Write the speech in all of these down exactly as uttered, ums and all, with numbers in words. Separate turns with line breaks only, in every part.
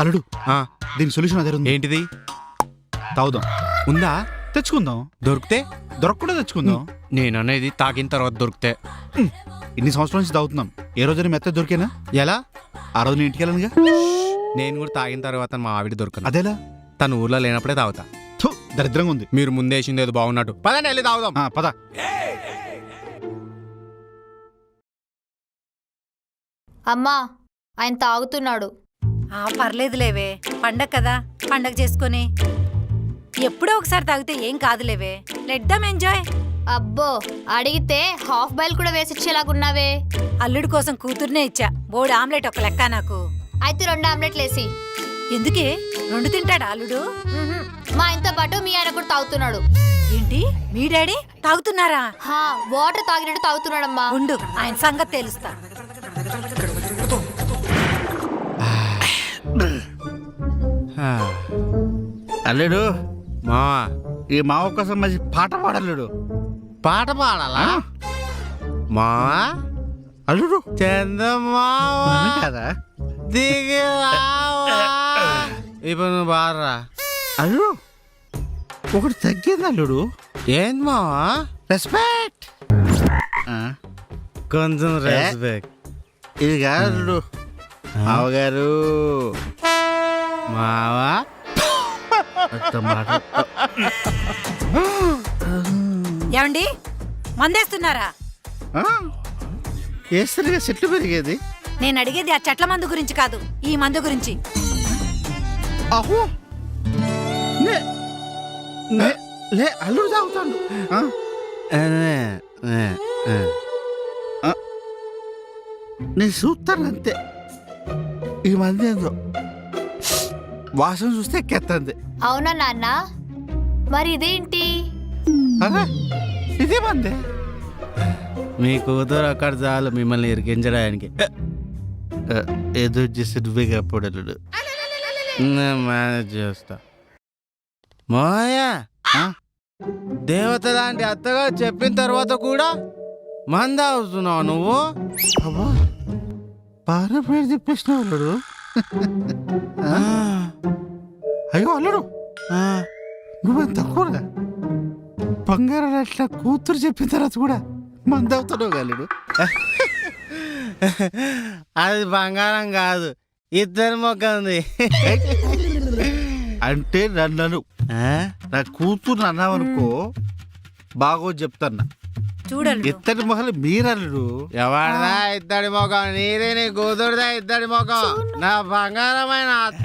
అల్లుడు దీని సొల్యూషన్ అదే ఉంది.
ఏంటిది?
తాగుదాం.
ఉందా?
తెచ్చుకుందాం.
దొరికితే
దొరకకుండా తెచ్చుకుందాం.
నేను అనేది తాగిన తర్వాత దొరికితే.
ఇన్ని సంవత్సరాల నుంచి తాగుతున్నాం, ఏ రోజైనా మెత్త దొరికేనా?
ఎలా?
ఆ రోజు నేను ఇంటికి వెళ్ళనుగా.
నేను కూడా తాగిన తర్వాత మా ఆవిడ దొరకను.
అదేలా?
తను ఊర్లో లేనప్పుడే తాగుతా.
థు, దరిద్రంగా ఉంది.
మీరు ముందేసింది ఏదో బాగున్నట్టు. పదండి వెళ్ళి తాగుదాం.
ఆ, పద.
అమ్మా, ఆయన తాగుతున్నాడు.
ఆ పర్లేదులేవే, పండగ కదా, పండగ చేసుకొని ఎప్పుడో ఒకసారి తాగితే ఏం కాదులేవే. Let them enjoy.
అబ్బో, అడిగితే హాఫ్ బాయిల్ కూడా వేసిచ్చేలాగున్నావే.
అల్లుడి కోసం కూతుర్నే ఇచ్చా. బోర్డు ఆమ్లెట్ ఒక లెక్క నాకు.
అయితే రెండు ఆమ్లెట్లు వేసి.
ఎందుకే? రెండు తింటాడా అల్లుడు?
మ్మ్హ్మ్. మా ఆయనతో పాటు మీ ఆయన కూడా తాగుతున్నాడు.
ఏంటి, మీ డాడీ తాగుతున్నారా?
హా, వాటర్ తాగినట్టు తాగుతున్నాడమ్మా.
ఉండు, ఆయన సంగతి తెలుస్తా.
అల్లుడు,
మా
ఈ మావ కోసం మంచి పాట పాడల్లుడు.
పాట పాడాలా? మా
అల్లుడు
చందమావా
కదా.
దిగి రావా. ఇప్పుడు నువ్వు బాడరా.
అల్లుడు ఒకటి తగ్గింది అల్లుడు.
ఏంది మావా?
రెస్పెక్ట్.
కొంచెం రెస్పెక్ట్.
ఇది కాదు అల్లుడు. మావగారు
మావా
ఏమండి, మందేస్తున్నారా?
వేస్తేనే చెట్లు పెరిగేది.
నేను అడిగేది ఆ చెట్ల మందు గురించి కాదు, ఈ మందు గురించి.
అహో, నే- నే- లే అల్లుడు తాగుతాడు. ఆ? ఆ. నేను చూస్తాను అంతే. ఈ మంది ఏందో వాసన చూస్తే ఎక్కేస్తుంది.
అవునా నాన్న? మరి ఇదేంటి?
అదే ఇదే మంది.
మీ కూతురు అక్కడ చాలు మిమ్మల్ని ఇరికించడానికి.
ఏదో చేసి నువ్వే కాపాడు అల్లుడు.
నేను మేనేజ్ చేస్తా. మాయా, దేవత లాంటి అత్తగా చెప్పిన తర్వాత కూడా మంద అవుతున్నావు నువ్వు.
అబ్బా, బాగా పేరు చెప్పేసినావు అల్లుడు. అయ్యో అల్లుడు, నువ్వేం తక్కువగా బంగారం అట్లా కూతురు చెప్పిన తర్వాత కూడా మంది అవుతున్నావు అల్లుడు.
అది బంగారం కాదు, ఇద్దరి మొక్క ఉంది.
అంటే నన్ను నా కూతురు అన్నావనుకో బాగో చెప్తాన్నా.
చూడండి,
ఇత్తడి మొహలు మీరల్లుడు.
ఎవరిదా ఇద్దడి మొఖం? నీదే, నీ కూతురుదా ఇద్దడి మొఖం. నా బంగారమైన అత్త.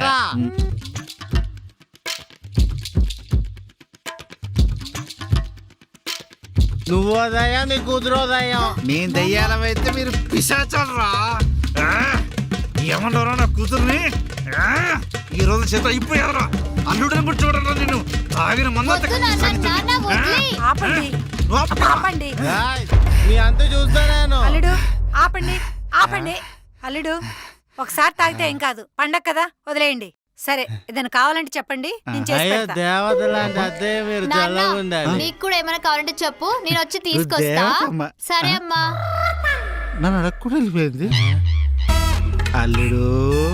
నువ్వో దయ్యం, నీ కూతురో దయ్యం.
నేను దయ్యాలమైతే మీరు పిశాచరా. ఏమన్నారా నా కూతుర్ని? ఈ రోజు చేత అయిపోయారా? అల్లుడిని కూడా చూడరా నిన్ను. తాగిన
వద్దు నాన్న, నాన్న వదిలే.
ఆపండి, ఆపండి.
ఏయ్, నీ అంత చూస్తా నేను.
అల్లుడు ఆపండి, ఆపండి. అల్లుడు ఒకసారి తాగితే ఏం కాదు, పండగ కదా, వదిలేయండి. సరే, ఏదైనా కావాలంటే చెప్పండి, నేను చేసి
అయ్యో
పెడతా.
దేవత లాంటి అత్తే మీరు
నాన్న,
చల్లగా ఉండాలి.
నీకు కూడా ఏమైనా కావాలంటే చెప్పు, నేను వచ్చి తీసుకొస్తా.
దేవతమ్మ.
సరే అమ్మా.
నన్ను అడగకుండా వెళ్ళిపోయింది. అల్లుడు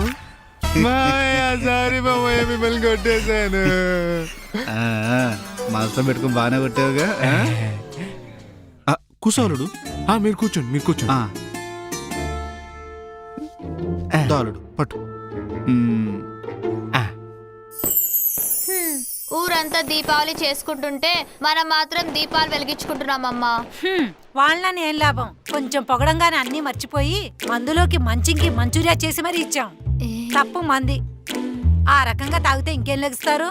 సారీ బాబోయ్, మిమ్మల్ని కొట్టేశాను.
మనసులో పెట్టుకుని బాగానే కొట్టావుగా. కూసోలుడు.
మీరు కూర్చోండి, మీరు కూర్చోండి.
దాలుడు పట్టు.
హ్మ్, ఊరంతా దీపావళి చేసుకుంటుంటే మనం మాత్రం దీపాలు వెలిగించుకుంటున్నామమ్మా.
హ్మ్, వాళ్ళని ఏం లాభం? కొంచెం పొగడంగానే అన్ని మర్చిపోయి మందులోకి మంచింకి మంచూరియా చేసి మరీ ఇచ్చాం. తప్పు మంది. ఆ రకంగా తాగితే ఇంకేం లెగిస్తారు?